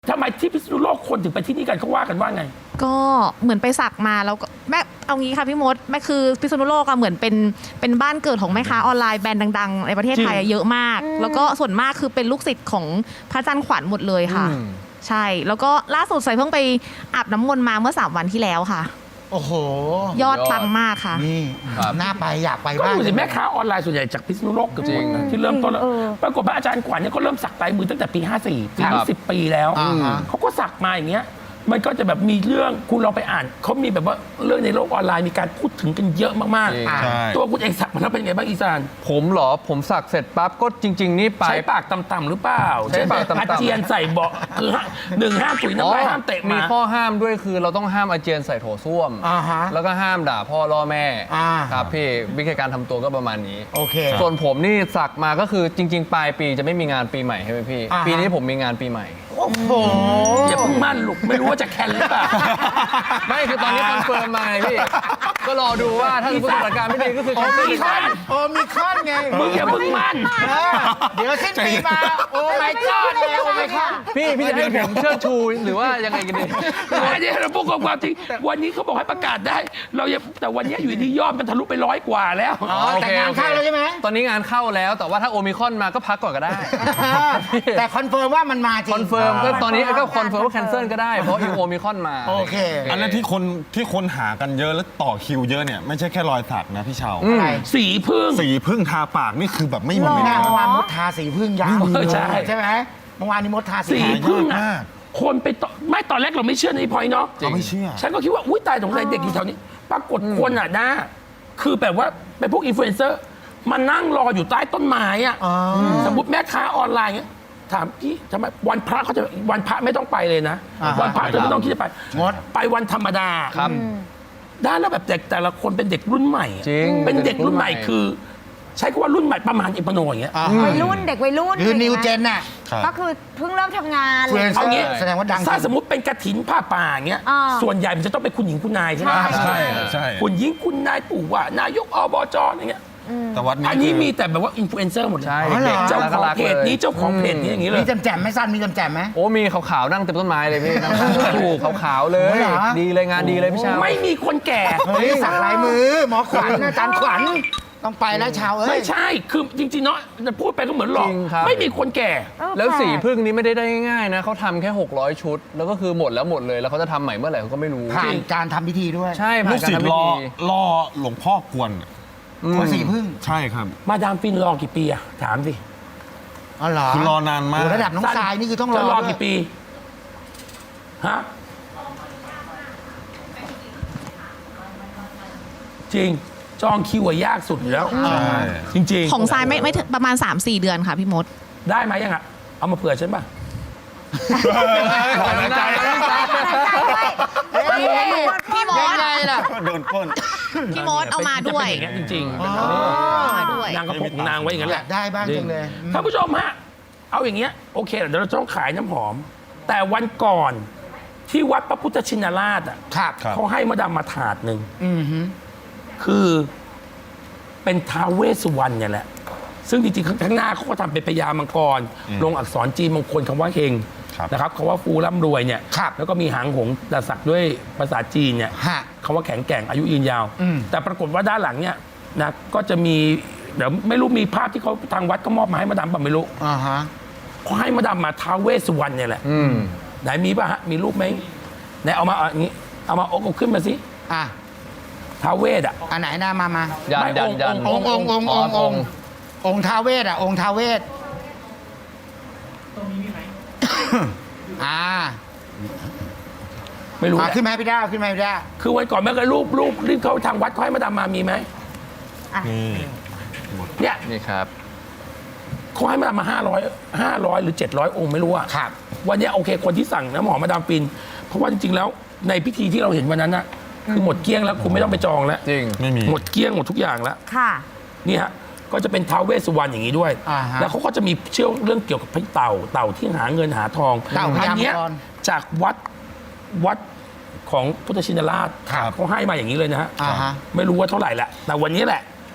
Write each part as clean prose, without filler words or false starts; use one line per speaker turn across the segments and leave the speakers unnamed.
ทำไมที่พิษณุโลกคนถึงไปที่นี่กันเขาว่ากันว่าไง
ก็เหมือนไปสักมาแล้วก็แม่เอางี้ค่ะพี่มดแม่คือพิษณุโลกอะเหมือนเป็นบ้านเกิดของแม่ค้าออนไลน์แบรนด์ดังๆในประเทศไทยเยอะมากแล้วก็ส่วนมากคือเป็นลูกศิษย์ของพระจันทร์ขวัญหมดเลยค่ะใช่แล้วก็ล่าสุดใส่เพิ่งไปอาบน้ำมนต์มาเมื่อ3 วันที่แล้วค่ะ
โอ้โห
ยอดปังมากค่ะ
นี่น่าไปอยากไป
ก็
บ้าง
ดูสิแม่ค้าออนไลน์ส่วนใหญ่จากพิษณุโลกเกือบหมดนะที่เริ่มต้นแล้วปรากฏว่าอาจารย์ขวัญเนี่ยเขาเริ่มสักลายมือตั้งแต่ปี54ปีนี้10 ปีแล้วเขาก็สักมาอย่างเงี้ยมันก็จะแบบมีเรื่องคุณลองไปอ่านเขามีแบบว่าเรื่องในโลกออนไลน์มีการพูดถึงกันเยอะมากๆตัวคุณเองสักมาแล้วเป็นไงบ้างอีสาน
ผมเหรอผมสักเสร็จปั๊บก็จริงๆนี่ไป
ใช้ปากต่ำๆหรือเปล่า
ใช้ปากต่ำๆ
อาเจียนใส่เบาะคือ1 ห้ามถุยน้ำลายห้ามเตะ
มีข้อห้ามด้วยคือเราต้องห้ามอาเจียนใส่โถส้วมแล้วก็ห้ามด่าพ่อล่อแม่ครับพี่วิธีการทำตัวก็ประมาณนี้
โอเค
ส่วนผมนี่สักมาก็คือจริงๆปลายปีจะไม่มีงานปีใหม่ใช่ไหมพี่ปีนี้ผมมีงานปีใหม่
โอ้โห
อย่าเพิ่งมั่นลูกไม่รู้ว่าจะแคนหรือเปล่า
ไม่คือตอนนี้คอนเฟิร์มมาไงพี่ก็รอดูว่าถ้าสถานการณ์ไม่ดีก็คือ
โอมิคอนมีคอนไง
มึงอย่าเพิ่งมั่น
เดี๋ยวสิ้นปีมาโอ้ my god แล้วโอ้ my god
พี่จะให้ผมเชิดชูหรือว่ายังไงกันดี
อันนี้เราพูดความจริงวันนี้เขาบอกให้ประกาศได้เราแต่วันนี้อยู่ดียอดมันทะลุไป100 กว่าแล้ว
แต่งานเข้าแล้วใช่ไหม
ตอนนี้งานเข้าแล้วแต่ว่าถ้าโอมิคอนมาก็พักก่อนก็ได้
แต่คอนเฟิร์มว่ามันมาจริง
คอนเฟิร์มก็ตอนนี้ก็คอนเฟิร์มว่าแคนเซิลก็ได้เพราะโอมิคอนมา
โอเค
อันนั้นที่คนหากันเยอะแล้วต่อคิวเยอะเนี่ยไม่ใช่แค่รอยสักนะพี่เชา
สีพึ่ง
ทาปากนี่คือแบบไม่มี
หน้าเมื่อวานมดทาสีพึ่งยาวใช่ไหมเมื่อวานนี้มดทา
สีพึ่งอ่ะคนไปไม่ตอนแรกเราไม่เชื่อในพอยเนาะ
เราไม่เชื่อ
ฉันก็คิดว่าอุ้ยตายสงสัยเด็กอยู่แถวนี้ปรากฏคนอ่ะนะคือแบบว่าเป็นพวกอินฟลูเอนเซอร์มานั่งรออยู่ใต้ต้นไม้อ่ะสมมติแม่ค้าออนไลน์เงี้ยถามพี่ทำไมวันพระเขาจะวันพระไม่ต้องไปเลยนะวันพระเธอไม่ต้องคิดจะไปไปวันธรรมดา
ครับ
ได้แล้วแบบแต่ละคนเป็นเด็กรุ่นใหม่เป็นเด็กรุ่นใหม่คือใช้คำว่ารุ่นใหม่ประมาณอิปโนอย่างเงี้ย
วัยรุ่นเด็กวัยรุ่น
คือนิวเจนน่ะ
ก็คือเพิ่งเริ่มทำงาน
เอางี้
แสดงว่าดัง
ถ้าสมมติเป็นกฐินผ้าป่าอย่างเงี้ยส่วนใหญ่มันจะต้องเป็นคุณหญิงคุณนายใช่ไหม
ใช่
คุณหญิงคุณนายปู่ว่านายกอบจอะไรเงี้ย
แต่วัดนี้
อันนี้มีแต่แบบว่าอินฟลูเอนเซอร์หมดเลยเจ้าของเพจนี้เจ้าของเพจนี้อย่างนี้เลย
มีแจ่มไหมสั้นมีแจ่มไหม
โอ้มีขาวๆนั่งเต็มต้นไม้เลยพี่ถูกขาวๆเลยดีเลยงานดีเลยพี่ชาว
ไม่มีคนแก่
สักลายมือหมอขวัญอาจารย์ขวัญต้องไปแล้วชาว
ไม่ใช่คือจริงๆเนาะจะพูดไปก็เหมือนหลอกไม่มีคนแก่
แล้วสีพึ่งนี้ไม่ได้ง่ายๆนะเขาทำแค่600 ชุดแล้วก็คือหมดเลยแล้วเขาจะทำใหม่เมื่อไหร่เขาก็ไม่รู้
ผ่านการทำพิธีด้วย
ใช่
ลูกศิษย์รอหลวงพ่อกวน
คนสีพึ่ง
ใช่ครับ
มาดามฟินรอกี่ปีอะถามสิ
อ๋อเหรอ
คือรอนานมาก
ระดับน้องชายนี่คือต้อง
รอกี่ปีฮะจริงจองคิวยากสุดอยู่แล้วจริง
ๆของทรายไม่ประมาณ 3-4 เดือนค่ะพี่มด
ได้ไหมยังอะเอามาเผื่อฉันป่ะ
พี่มด
ยังไงล่ะ
โดนก้น
พี่มดเอามาด้วย
จริงๆ
มาด้วย
นางก็พกนางไว้อย่างนั้นแหละ
ได้บ้างจังเลย
ท่านผู้ชมฮะเอาอย่างเงี้ยโอเคเดี๋ยวเราต้องขายน้ำหอมแต่วันก่อนที่วัดพระพุทธชินราชอ่ะเขาให้มาดามมาถาดหนึ่งคือเป็นท้าวเวสสุวรรณเนี่ยแหละซึ่งจริงๆข้างหน้าเขาก็ทำเป็นพญามังกรลงอักษรจีนมงคลคำว่าเฮงนะครับคำว่าฟูร่ำรวยเนี่ยแล้วก็มีหางหงส์แต่สักด้วยภาษาจีนเนี่ยคำว่าแข็งแกร่งอายุยืนยาวแต่ปรากฏว่าด้านหลังเนี่ยนะก็จะมีเดี๋ยวไม่รู้มีภาพที่เขาทางวัดก็มอบมาให้มาดามป่ะไม่รู้เขาให้มาดามมาท้าวเวสสุวรรณเนี่ยแหละไหนมีป่ะฮะมีรูปไหมไหนเอามาอย่างนี้เอามาเอาขึ้นมาสิท้าวเวสอ่ะ
อันไหนหน้ามา
ยัน
องค์ท้าวเวสอ่ะองค์ท้าวเวสตรงนี้มีไหม
ไม่รู้
ขึ้นไหมพี่ด้าขึ้นไหมพี่ด้า
คือวันก่อนแม่ก็รูปที่เขาทางวัดเขาให้มาดามมามีไหมเนี่ย
นี่ครับ
เขาให้มาดามมา500หรือ700 องค์ไม่รู้อ่ะวันนี้โอเคคนที่สั่งน้ำหอมมาดามฟินเพราะว่าจริงๆแล้วในพิธีที่เราเห็นวันนั้นน่ะคือหมดเกลี้ยงแล้วคุณไม่ต้องไปจองแล้ว
จริง
ไม่มี
หมดเกลี้ยงหมดทุกอย่างแล้ว
ค่ะ
นี่ฮะก็จะเป็นท้าวเวสสุวรรณอย่างนี้ด้วยแล้วเขาก็จะมีเชื่อเรื่องเกี่ยวกับเต่าที่หาเงินหาทองอันนี้จากวัดของพุทธชินราชเขาให้มาอย่างนี้เลยนะฮะไม่รู้ว่าเท่าไหร่แหละแต่วันนี้แหละ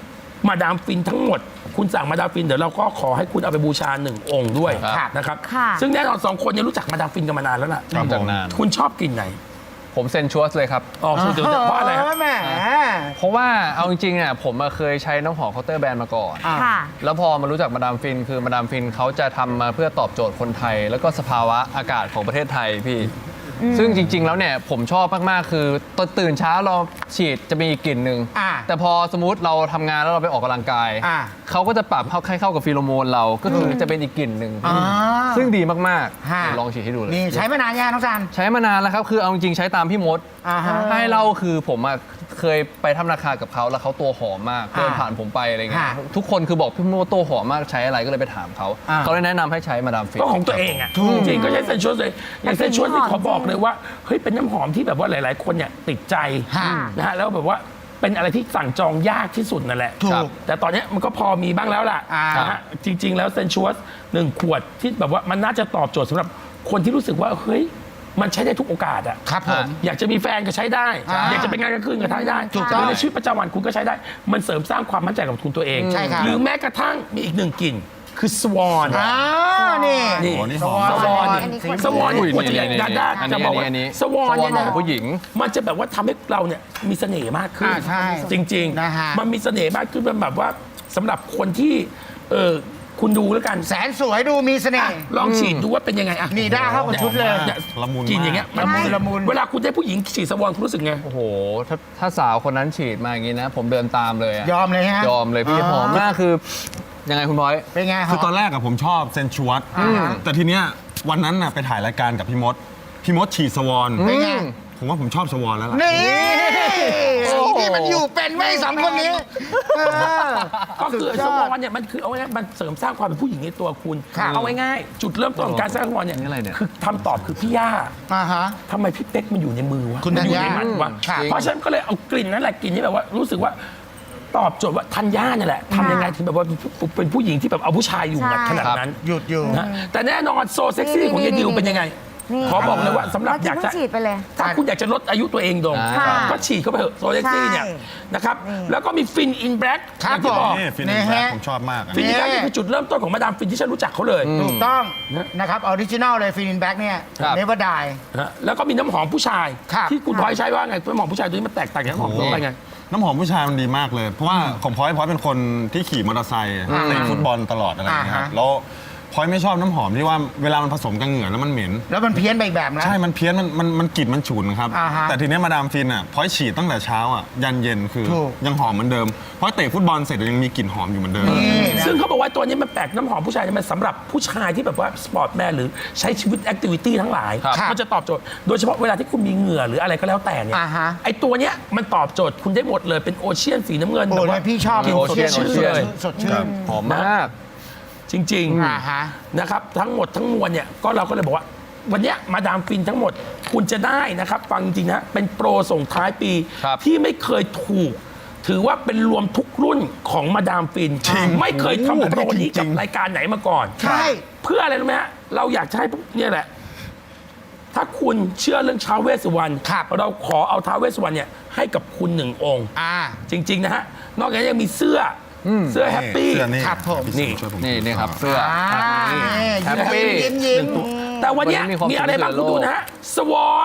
มาดามฟินทั้งหมด คุณสั่งมาดามฟินเดี๋ยวเราก็ขอให้คุณเอาไปบูชา1 องค์ด้วย
ครับ
นะครับ
ค่ะ
ซึ่งแน่นอน2 คนเนี่ยรู้จักมาดามฟินกันมานานแล้วล่ะ
ครับ
จาก
ผม
นาน
คุณชอบกลิ่นไหน
ผมเซนชัวสเลยครับ
อ๋อคือเดี๋ยวเพราะอะไรฮะ
แหม
เพราะว่าเอาจริงๆอ่ะผมอะเคยใช้น้ำหอมเคาน์เตอร์แบรนด์มาก่อน
ค่ะ
แล้วพอมารู้จักมาดามฟินคือมาดามฟินเขาจะทำมาเพื่อตอบโจทย์คนไทย แล้วก็สภาวะอากาศของประเทศไทยพี่ ซึ่งจริง ๆ แล้วเนี่ยผมชอบมาก ๆ คือตอนตื่นเช้าเราฉีดจะมีกลิ่นหนึ่ง
อ่า
แต่พอสมมติเราทำงานแล้วเราไปออกกำลังกาย
อ่า
เขาก็จะปรับให้เข้ากับฟีโรโมนเราก็คือจะเป็นอีกกลิ่นหนึ่ง
อ่า
ซึ่งดีมาก
ฮะ
ๆเดี๋ยวลองฉีดให้ดูเลย
นี่ใช้มานานยังน้องซัน
ใช้มานานแล้วครับคือเอาจริงๆใช้ตามพี่มด
อ่าฮะ
ให้เล่าคือผมอะเคยไปทำราคากับเขาแล้วเขาตัวหอมมากเดินผ่านผมไปอะไรเงี้ย
ฮะ
ทุกคนคือบอกพี่มดตัวหอมมากใช้อะไรก็เลยไปถามเขา
อ่า
เขาเลยแนะนำให้ใช้มาดามฟิน
ก็ของตัวเองอ่ะจริงๆก็ใช้เซนชวสเลยอย่างเซนชวสที่ขอบอกเลยว่าเฮ้ยเป็นน้ำหอมที่แบบว่าหลาย ๆ คนเนี่ยติดใจ
ฮะ
นะฮะแล้วแบบว่าเป็นอะไรที่สั่งจองยากที่สุดนั่นแหละ
ถูก
ครับแต่ตอนเนี้ยมันก็พอมีบ้างแล้วล่ะ
อ่าน
นะฮะจริง ๆ แล้วเซนชวส1 ขวดที่แบบว่ามันน่าจะตอบโจทย์สำหรับคนที่รู้สึกว่าเฮ้ยมันใช้ได้ทุกโอกาสอ่ะ
ครับผม
อยากจะมีแฟนก็ใช้ได้
อ่า
อยากจะไปงานกลางคืนก็ใช้ได้
ถูกต้อง
หรือในชีวิตประจำวันคุณก็ใช้ได้ มันเสริมสร้างความมั่นใจกับคุณตัวเอง
ใช่ครับ
หรือแม้กระทั่งมีอีก1 กลิ่นคือสวอน
อ่านี่
นี่
โอ้นี่หอม
สวอน
อันนี้
สวอน
อุ้ย
ควรจะอย่าง
นี่
ดาด้า
อันนี้
จะบอกว่า
อันนี้
สวอนเนี่ย
ข
นะ
องผู้หญิง
มันจะแบบว่าทำให้เราเนี่ยมีเสน่ห์มากขึ้น
ใช่
จริง
นะฮะ
มันมีเสน่ห์มากขึ้นมันแบบว่าสำหรับคนที่คุณดูแล้วกัน
แสนสวยดูมีเสน่
อ่ะ
ห์
ลองฉีดดูว่าเป็นยังไงอ่ะ
นี่ได้เข้ากับชุดเลย
นี่
ละมุน
กินอย่างเงี้ย
มาก
ละมุน
เวลาคุณได้ผู้หญิงฉีดสวอนคุณรู้สึกไง
โอ้โหถ้าสาวคนนั้นฉีดมาอย่างนี้นะ ผมเดินตามเลยอะ
ยอมเลยฮะ
ยอมเลยพี่หอมมากคือยังไงคุณบอย
เป็นไง
คือตอนแรกอะผมชอบเซนชวสแต่ทีเนี้ยวันนั้นน่ะไปถ่ายรายการกับพี่มดฉีดสวอน
เป็นไง
ผมว่าผมชอบสวอนแล้วล่ะ
นี่สีที่มันอยู่เป็นไว้สองคนนี้เออ
ก็คือ
สุดย
ส
อด
วอนเนี่ยมันคือเอาง่ายๆมันเสริมสร้างความเป็นผู้หญิงในตัวคุณ
ครับ
เอาง่ายๆจุดเริ่มต้นของการสร้างสวอนเนี่ย
นี่อะไรเนี่ย
คือคำตอบคือพี่ย่า
อ่าฮะ
ทำไมพี่เป๊กมันอยู่ในมือวะ
คุณ
มันอยู่
ธัญ
ใน
ญา
หมัดวะ
ครับ
เพราะฉะนั้นก็เลยเอากลิ่นนั้นแหละกลิ่นที่แบบว่ารู้สึกว่าตอบโจทย์ว่าธัญญาเนี่ยแหละทำยังไงถึงแบบว่าเป็นผู้หญิงที่แบบเอาผู้ชายอยู่หมัดขนาดนั้น
หยุดอยู่
นะแต่แน่นอนโซเซ็กซี่ของยายดิวเป็นยังไง
นี่
ขอบอกเลยว่าสำหรับ
เมื่อ
อยาก
กี้
จะ
เพิ่งฉีดไปเลย
ถ้าคุณอยากจะลดอายุตัวเองลง
ค่ะ
ก็ฉีดเข้าไปเถอะโซเซ็กซี่เนี่ย
ใช่
นะครับ
นี่
แล้วก็มีฟินอินแบล็ก
ครับ
ที่บอก
นี่ฟิน
นี่
แบล็
ฮะ
ผมชอบมากอะ
ฟินอินแบล็ก
นี่
นี่คือจุดเริ่มต้นของมาดามฟินที่ฉันรู้จักเขาเลย
ถูกต้อง
นะ
นะครับออริจินัลเลยฟินินแบ็กเนี่ย
ครับ
เนเวอร์ได
นะแล้วก็มีน้ำหอมผู้ชาย
ครับ
ที่คุณพลอยใช้ว่าไงน้ำหอมผู้ชายตัวนี้มันแตกต่างจากน้ำหอมทั่วไปไง
น้ำหอมผู้ชายมันดีมากเลย เพราะว่าของพลอยเป็นคนที่ขี่มอเตอร์ไซค์เตะฟุตบอลตลอดอะไรอย่างเงี้ยครับแล้วพลอยไม่ชอบน้ำหอมที่ว่าเวลามันผสมกับเหงื่อแล้วมันเหม็น
แล้วมันเพี้ยนไปอีกแบบนะ
ใช่ มันเพี้ยน มันกลิ่นมันฉุนครับ
อ่าฮะ
แต่ทีเนี้ยมาดามฟินอ่ะพอยฉีดตั้งแต่เช้าอ่ะยันเย็นคือ
ถูก
ยังหอมเหมือนเดิมเพราะเตะฟุตบอลเสร็จยังมีกลิ่นหอมอยู่เหมือนเดิม
นี่นะ
ซึ่งเขาบอกว่าตัวนี้มันแปลกน้ำหอมผู้ชายเนี่ยมันสำหรับผู้ชายที่แบบว่าสปอร์ตแมนหรือใช้ชีวิตแอคทิวิตี้ทั้งหลาย
ครับ
มันจะตอบโจทย์ โดยเฉพาะเวลาที่คุณมีเหงื่อหรืออะไรก็แล้วแต่เนี่ย
อ่าฮะ
ไอตัวเนี้ยมันตอบโจทย์คุณได้หมดเลยเป็นโอเชียนสีน้ำเงิน
โอ้
แบบ
ย
ว่า
พี่ชอบ
กลิ่น
โอ
ส
เชีย
ด
น
ชื่นเลย
สดชื่น
หอมมาก
จริง
อ่าฮะ
นะครับทั้งหมดทั้งมวลเนี่ยก็เราก็เลยบอกว่า วันเนี้ยมาดามฟินทั้งหมดคุณจะได้นะครับ ฟังจริงๆนะเป็นโปรส่งท้ายปี
ครับ
ที่ไม่เคยถูก ถือว่าเป็นรวมทุกรุ่นของมาดามฟิน ไม่เคยทำโปรนี้กับรายการไหนมาก่อน
ใช่
เพื่ออะไรรู้ไหมฮะเราอยากจะให้พวกเนี่ยแหละ ถ้าคุณเชื่อเรื่องท้าวเวสสุวรรณ
ครับ
เราขอเอาท้าวเวสสุวรรณเนี่ยให้กับคุณหนึ่งองค์
อ่า
จริง ๆ นะฮะ นอกจากนี้ยังมีเสื้ออเสื้อแฮปปี้
เสื้อนี่
ครับผม
พี่ช่วยผม
นี่ครับเสื้อ
อ่านี่
แฮปปี้
ยิ้มยิ้ม
แต่วันเนี้ย
วันนี้มีความ
มีอะไรบ้าง
สุ
คุ
ข
ณ
เหลือโลก
ดูนะฮะ สวอน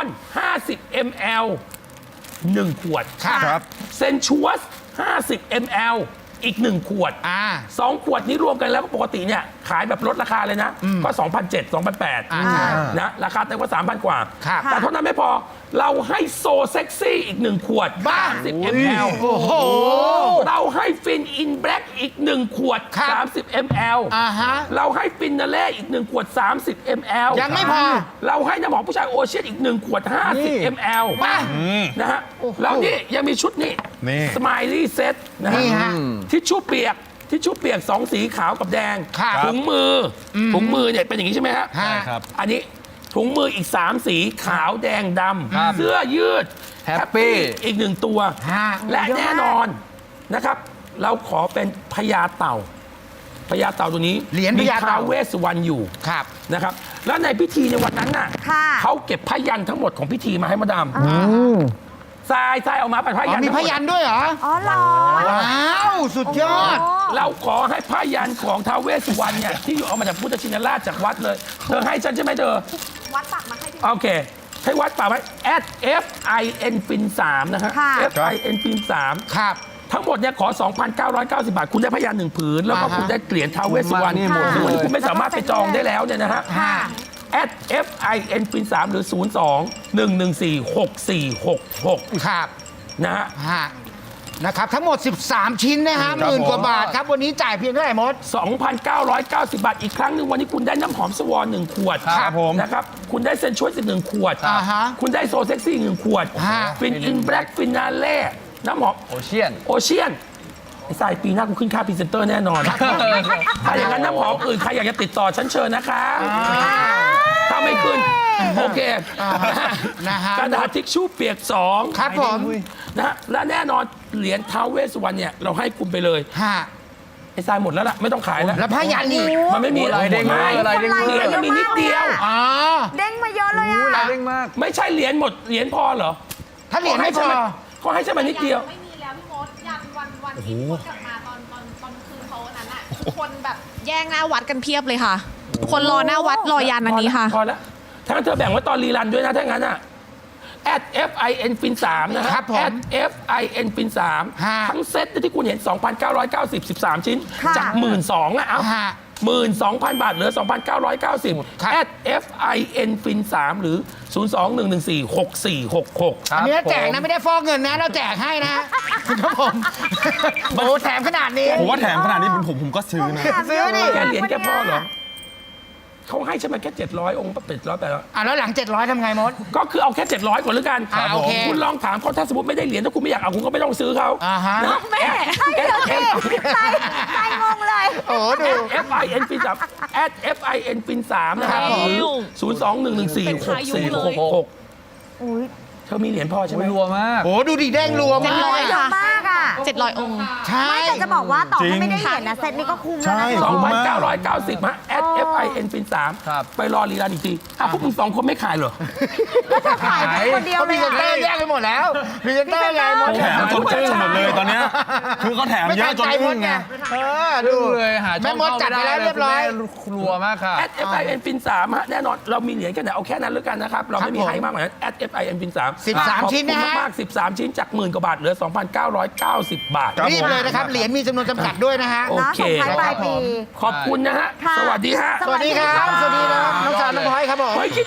50 ml 1 ขวด
ครับ
เซนชัวส 50 ml อีก 1 ขวด
อ่า
2 ขวดนี้รวมกันแล้วปกติเนี่ยขายแบบลดราคาเลยนะ ก็ 2,700 2,800 นะราคาเต็มกว่า 3,000 กว่า
ครับ
แต่เท่านั้นไม่พอเราให้โซเซ็กซี่อีก 1 ขวด
บ้า
30 ml
โอ้โห
เราให้ฟินอินแบล็กอีก 1 ขวด
ครับ
30 ml
อ่าฮะ
เราให้ฟินนาเล่อีก 1 ขวด 30 ml
ยังไม่พอ
เราให้น้ำหอมผู้ชายโอเชียนอีก 1 ขวด 50 ml
มา
นะฮะแล้วนี่ยังมีชุดนี่
นี่
สไมลี่เซ็ตนะฮะ
นี่ฮะ
ทิชชู่เปียกทิชชู่เปียก 2 สีขาวกับแดง
ครับ
ถุงมืออถุงมือเนี่ยเป็นอย่างนี้ใช่ไหมฮะ
ฮะ
ใช่ครับ
อันนี้ถุงมืออีก 3 สีขาวแดงด
ครับ
ำเสื้อยืด
Happy
อีก 1 ตัว
ฮะ
และแน่นอนนะครับ เราขอเป็นพญาเต่าพญาเต่าตัวนี้
เหรียญพญาเต่า
มีท้วเวสสุวรรณอยู่
ครับ
นะครับ แล้วในพิธีในวันนั้นน่ะ
ค่ะ
เขาเก็บพยันทั้งหมดของพิธีมาให้มาดามทรายเอามาเป็นผ้า
อ๋
ยั
อน มีพยันด้วยเหรอ
อ๋อเหรอ
ว้าวสุดยอด
เราขอให้ผ้ายันของท้าวเวสสุวรรณเนี่ยที่อยู่เอามาจากพุทธชินราชจากวัดเลย เธอให้ฉันใช่ไหมเธอ
วัดปักมาให้พี่
โอเค ให้วัดป่าไว้ @FINFIN3 นะฮะ
ค่ะ
FINFIN3
ครับ
ทั้งหมดเนี่ยขอ 2,990 บาท คุณได้พยาน1 ผืน แล้วก็
อ่าฮะ
คุณได้เหรียญท้าวเวสสุวรรณ
นี่หมด
ซึ่งวันนี้
เลย
คุณไม่สามารถไปจองได้แล้วเนี่ยนะฮะ
ค่ะ
@FINFIN3 หรือ 02-114-6466
ครับ
นะฮะ
ฮะนะครับ ทั้งหมด 13 ชิ้นนะฮะหมื่นกว่าบาทครับ วันนี้จ่ายเพียงเท่าไหร่มด
2,990 บาท อีกครั้งหนึ่งวันนี้คุณได้น้ำหอมสวอน1 ขวด
ครับผม
นะครับ คุณได้เซนชวล1 ขวด
อ่าฮะ
คุณได้โซเซ็กซี่1 ขวด
ฮะ
ฟินอินแบล็กฟินาเล่น้ำหอม
โอเชียน
โอเชียนไอ้สายปีหน้ากูขึ้นค่าพรีเซนเตอร์แน่นอน ถ้าอย่างนั้นน้ำหอมอื่นใครอยากจะติดต่อฉันเชิญนะคะ ถ้าไม่ขึ้น โอเค
นะฮะ
กระดาษทิชชู่เปียก2
ครับผม
นะฮะและแน่นอนเหรียญท้าวเวสสุวรรณเนี่ยเราให้คุณไปเลย
ฮะ
ไอ้ทรายหมดแล้วล่ะไม่ต้องขายแล้ว
แล้วพยันอีก
มันไม่มี
ลายเด้ง
ไม่
ลายเด้ง
เหรียญมันมีนิดเดียว
อ๋อ
เด้งมาเยอะเลยอ่ะ
ลายเด้งมาก
ไม่ใช่เหรียญหมดเหรียญพอเหรอ
ถ้าเหรียญไม่พอ
เขาให้ใช่ไหมนิดเดียว
ไม่มีแล้วพี่มดยันวันที่พี่มดกลับมาตอนคืนเขาอันนั้นอ่ะคือคนแบบแย่งหน้าวัดกันเพียบเลยค่ะ คนรอหน้าวัดรอยันอันนี้ค่ะ
พอแล้วถ้างั้นเธอแบ่งไว้ตอนรีรันด้วยนะถ้างั้นอ่ะ@FINFIN3 นะฮะ
ครับผม
@FINFIN3
ฮะ
ทั้งเซ็ตที่คุณเห็น 2,990 13 ชิ้น
ค่ะ
จาก 12,000อ่ะเอา
ฮะ
12,000 บาทเหลือ 2,990
ครับ
@FINFIN3 หรือ 02-114-6466
อันนี้แจกนะไม่ได้ฟอกเงินนะ เราแจกให้นะ ครับผมโอ้แถมขนาดนี้
ผมว่าแถมขนาดนี้เป็นผมก็ซื้อนะ
ซื้อดิ
แกเหรียญแกพอเหรอเขาให้ใช่ไหมแค่ 700 องค์800 800
อ่ะแล้วหลัง 700ทำไงมด
ก็คือเอาแค่ 700 ก่อนแล้วกัน
อ่าโอเค
คุณลองถามเขาถ้าสมมติไม่ได้เหรียญถ้าคุณไม่อยากเอาคุณก็ไม่ต้องซื้อเขา
อ่าฮะ
นะ
แม่ใช่เดี๋ยวสิใจงงเลย
โอ้ดู
FINFIN3 @FINFIN3 นะครับ
ครับผม
หรือ02-114-6466
อุ้ย
เธอมีเหรียญพอใช่ไหม
รัวมาก
โอ้ดูดิแดงรัวมาก
700
เยอะมากอ่ะ
700 องค์
ใช่
ไม่แต่จะบอกว่าต่อ
จริ
ให้
ง
ไม่ได้เหรียญนะเซตนี้ก็คุ้มแล้ว
ใช่
นะ
คุ้มมาก
2,990 ฮะ @FINFIN3
ครับ
ไปรอรีรันอีกทีพวกมึง2 คนไม่ขายเหรอ
ก็จะขายเป็นคนเดียว
เขา
เล
พรี
ย
เซนเตอร์แย
อะ
กไปหมดแล้วพรีเซนเตอร์ไงมด
แถมจนอึ้งหมดเลยตอนเนี้ยคือเขาแถม
ไม่
เย
ทั
อะ
น
จน
ใจม
อึ้
ด
ง
ไง
ไง
ดู
เลยหาช่
แม่
อง
มด
เข้า
จัดไปแล้วเรียบร้อย
รัวมากค่ะ
@FINFIN3 ฮะแน่นอนเรามีเหรียญกันไหนเอาแค่นั้นแล้วกันนะครับ เราไม่มี
ครับผม
ให้มากกว่านั้น@FINFIN3
13ชิ้นนะฮะ
ขอบคุณมาก13 ชิ้นจาก10,000 กว่าบาทเหลือ 2,990 บาท
ครับ
รีบเลยนะครับ เหรียญมีจำนวนจำกัดด้วยนะฮะ
โอ
นะ
เค
ส่งท้ายปลายปี
ขอบคุณนะฮะ
ค่ะ
สวัสดีฮะ
สวัสดีครับ สวัสดีนะน้องสาวน้องพลอยครับผม
เฮ้ยคิด